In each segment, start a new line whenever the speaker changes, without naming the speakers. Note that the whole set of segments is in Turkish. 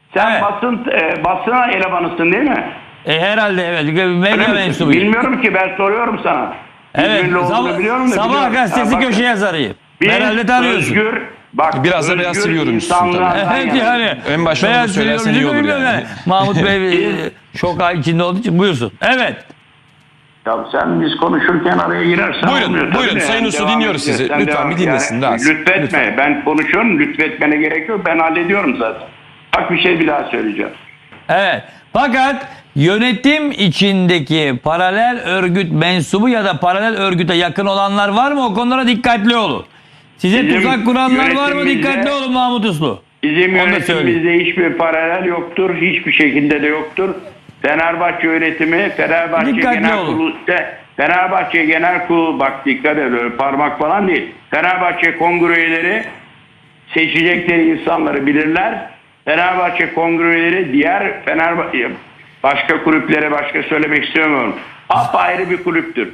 Sen
Evet.
basına elemanısın değil mi?
Herhalde evet.
Öyle
Medya
misin?
mensubuyum.
Bilmiyorum ki, ben soruyorum sana.
Evet.
İzmirli olduğunu biliyorum da
Sabah
biliyorum.
gazetesi
Ha, bak,
köşe yazarıyım.
bir
Herhalde tanıyorsun.
özgür, bak,
Biraz da Beyaz TV yorumcusun tabii.
insanlardan
Evet
yana.
yani.
En başta onu söylersen iyi olur yani.
Mahmut Bey şok içinde olduğu için buyursun. Evet.
Ya sen biz konuşurken araya girersen
Buyurun,
olmuyor.
buyurun.
Tabii de
Sayın
yani
Usta,
devam
dinliyoruz
edeceğiz.
sizi.
Sen
Lütfen
devam
bir
et.
dinlesin Rasim.
Lütfetme.
Lütfen.
Ben konuşuyorum. Lütfetmene gerek yok. Ben hallediyorum zaten. Bak, bir şey bir daha söyleyeceğim.
Evet. Fakat yönetim içindeki paralel örgüt mensubu ya da paralel örgüte yakın olanlar var mı? O konulara dikkatli olun. Size
Bizim
tuzak kuranlar var mı?
yönetimimizde-
Dikkatli olun Mahmut Uslu.
Bizim
Onu da söyleyeyim.
yönetimimizde hiçbir paralel yoktur. Hiçbir şekilde de yoktur. Fenerbahçe yönetimi, Fenerbahçe
Dikkatli
Genel
olun.
Kurulu, Fenerbahçe Genel Kurulu, bak dikkat et, öyle parmak falan değil. Fenerbahçe kongre üyeleri seçecekleri insanları bilirler. Fenerbahçe kongre üyeleri diğer Fenerbahçe başka kulüplere, başka söylemek istemiyorum. Apayrı bir kulüptür.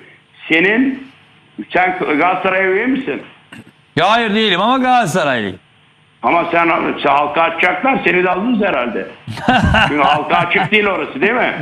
Sen Galatasaray üye misin?
Ya hayır değilim ama Galatasaraylıyım.
Ama sen halka açacaklar, seni de aldınız herhalde. Çünkü halka açık değil orası, değil mi?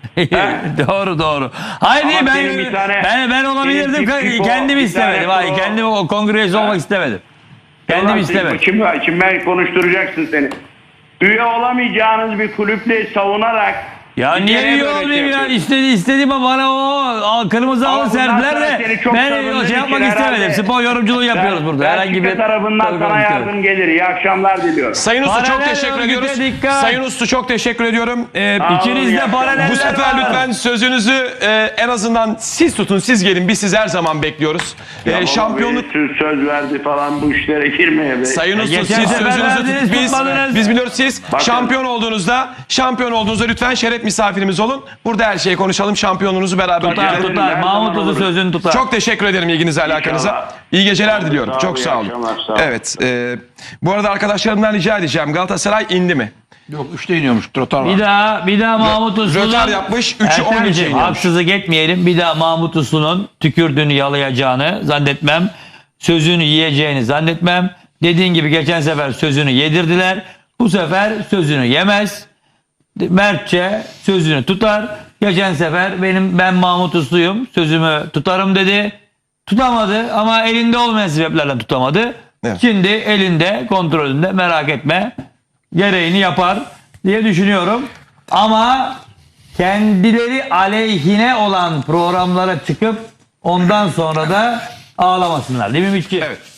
Doğru. Hayır
Ama
değil,
senin bir tane-
ben olabilirdim.
senin bir
Kendim
bir
istemedim.
tane
Hayır, kendim o kongresi olmak istemedim. Kendim
Ulan
istemedim.
Kimden konuşturacaksın seni? Üye olamayacağınız bir kulüple savunarak...
Ya niye
Ülkeye
üye
böyle
olmayayım ya?
yapıyorsun.
İstediğim bana o kırmızı
Ama
halı
bundan
serdiler
sonra
de
seni çok
ben
tanıdığım
o şey yapmak
için
istemedim.
herhalde-
Spor yorumculuğu yapıyoruz burada. Herhangi bir
Belçika tarafından sana yardım gelir. İyi akşamlar diliyorum.
Sayın Usta çok
Paralel
teşekkür
örgüte
ediyoruz.
dikkat.
Sayın Usta çok teşekkür ediyorum.
İkiniz de paraleller
Bu sefer
var.
lütfen sözünüzü en azından siz tutun, siz gelin. Biz sizi her zaman bekliyoruz. Şampiyonluk...
Söz verdi falan, bu işlere girmeye.
Sayın Usta
geçen
siz
sefer
sözünüzü
verdiniz,
tutun.
tutmadınız.
Biz biliyoruz, siz
Bakın.
şampiyon olduğunuzda lütfen şeref misafirimiz olun. Burada her şeyi konuşalım. Şampiyonunuzu beraber
Tutar.
görelim.
Her
Mahmut
zaman
Uzun
olur.
sözünü tutar.
Çok teşekkür ederim ilginize, alakanıza.
İnşallah.
İyi geceler diliyorum.
Sağ ol,
Çok
iyi
sağ olun.
akşamlar, sağ ol.
Evet. Bu arada arkadaşlarımdan rica edeceğim. Galatasaray indi mi?
Yok 3'te iniyormuş. Trotar var.
Bir daha Mahmut Uslu'nun
Rötar yapmış. 3'ü 10
Ertemciğim,
geçe iniyormuş.
haksızlık etmeyelim. Bir daha Mahmut Uslu'nun tükürdüğünü yalayacağını zannetmem. Sözünü yiyeceğini zannetmem. Dediğin gibi geçen sefer sözünü yedirdiler. Bu sefer sözünü yemez. Mertçe sözünü tutar. Geçen sefer ben Mahmut Uslu'yum, sözümü tutarım dedi. Tutamadı ama elinde olmayan sebeplerle tutamadı.
Evet.
Şimdi elinde, kontrolünde, merak etme. Gereğini yapar diye düşünüyorum. Ama kendileri aleyhine olan programlara çıkıp ondan sonra da ağlamasınlar. Değil mi Mitçi?
Evet.